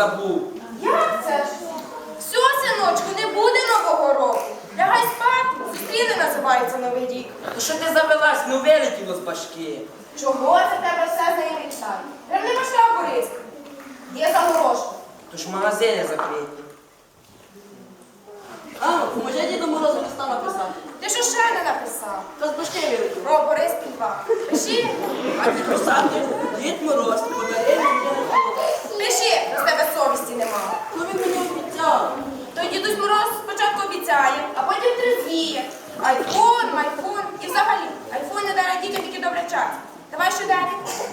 забув. Як це ж? Все, синочку, не буде Нового року. Лягай спати, зустріне називається Новий рік. То що ти завелась? Ну вилетіло з башки. Чого це тебе все заявичає? Прям не башка, Бориска. Є загорожка. То ж магазини закриті. Мамо, поможи Діду Морозу листа написати. Ти що ще не написав? Та з башки вилетів. Про Борис Пільва. Пиши. А підписати Дід Мороз подарив мені рахунок. Пиши, з тебе совісті нема. Ну він мені обіцяв. То Дідусь Мороз спочатку обіцяє, а потім трезвіє. Айфон. І взагалі, айфон не дарить дітям тільки добре час. Давай що далі?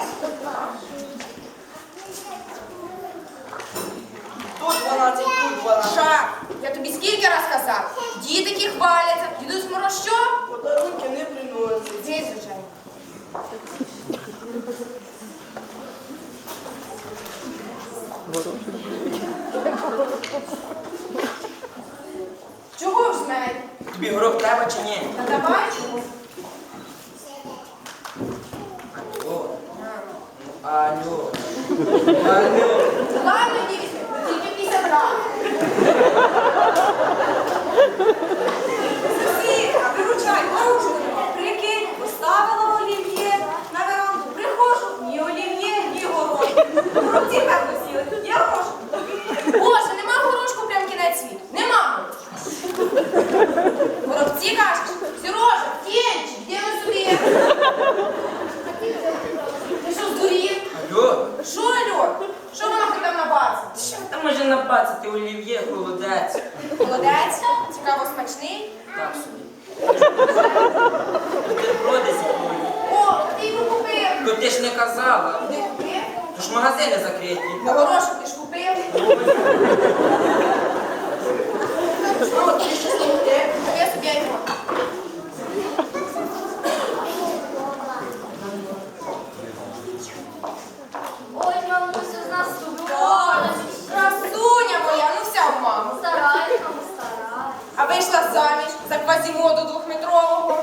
Тут 12, тут 12. Ша, я тобі скільки раз казав? Дітики хваляться. Дідусь Мороз що? Подарунки не приносять. Здесь, звичайно. Чого ж з мене? Тобі горох треба чи ні? Та давай чого? Алло. Алло. Ладно, не візьми, тільки 50 грамів. Сусідка, виручай, порушку. Прикинь, поставила олів'є на веранду. Приходжу, ні олів'є, ні горошку. Горобці певно сіли, тут є горошку. Боже, нема горошку, прям кінець світу. Нема горошку. Горобці кажеш, Сережа, Тєнчик, де ви собі? Ти що, здурів? Алло. Що, Альон? Що вона хоч там набацати? Що там може набацати олів'є, холодець? Молодець, цікаво смачний. Так собі. Бутерброди зі. О, ти його купив. То ти ж не казала. Ти купив? То ж магазини закриті. На горошок ти ж купив. Що, ти ще слухати? Я собі айфон. Ой, мамо, ну все з нас Ой, красуня моя, ну вся в маму. стараюсь, мамо, стараюсь. А вийшла заміж за квазімоду двохметрового.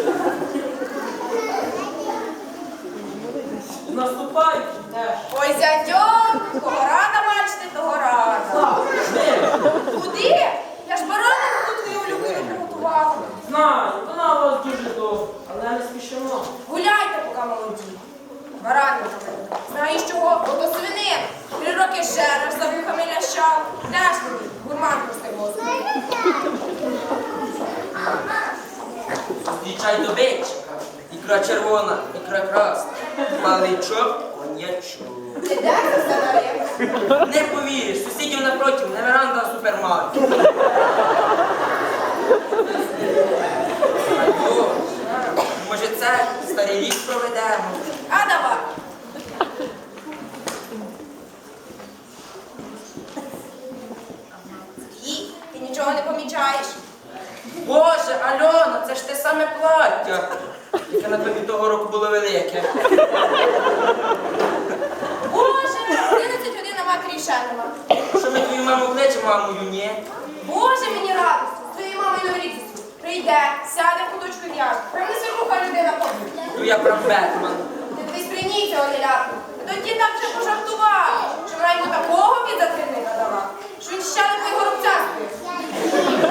Наступають теж. Ой, зятьок, кого рада бачити, того рада. Куди? Я ж баранину тут твою улюблену приготувала. Знаю, вона у вас дуже довго, але не спішимо. Гуляйте, поки молоді. Баранина. Знаєш чого? Ото свинин. 3 роки жереш, за вухами лящав. Ляш мені, гурман простий. Зустрічай до вечора. Ікра червона, ікра красна. Паличок, коньячок. Ти де це все нарив? Не повіриш, сусідів напротив, не веранда, а супермаркет. Алло, може це старий рік проведемо? А давай. І ти нічого не помічаєш? Боже, Альона, це ж те саме плаття, яке на тобі того року було велике. Боже, 11 годин на матері ще нема. Що ми твою маму кличемо, а мою ні? Боже, мені радості. З твоєю мамою Новий рік зустріч. Прийде, сяде в куточку і в'яже. Прям не свіруха людина побуде. То я прям Бетмен. Ти дивись прийніться, Олілятку. Тоді там вже пожартував, що вона йому такого під затримника дала, що він ще не твої горобця збив.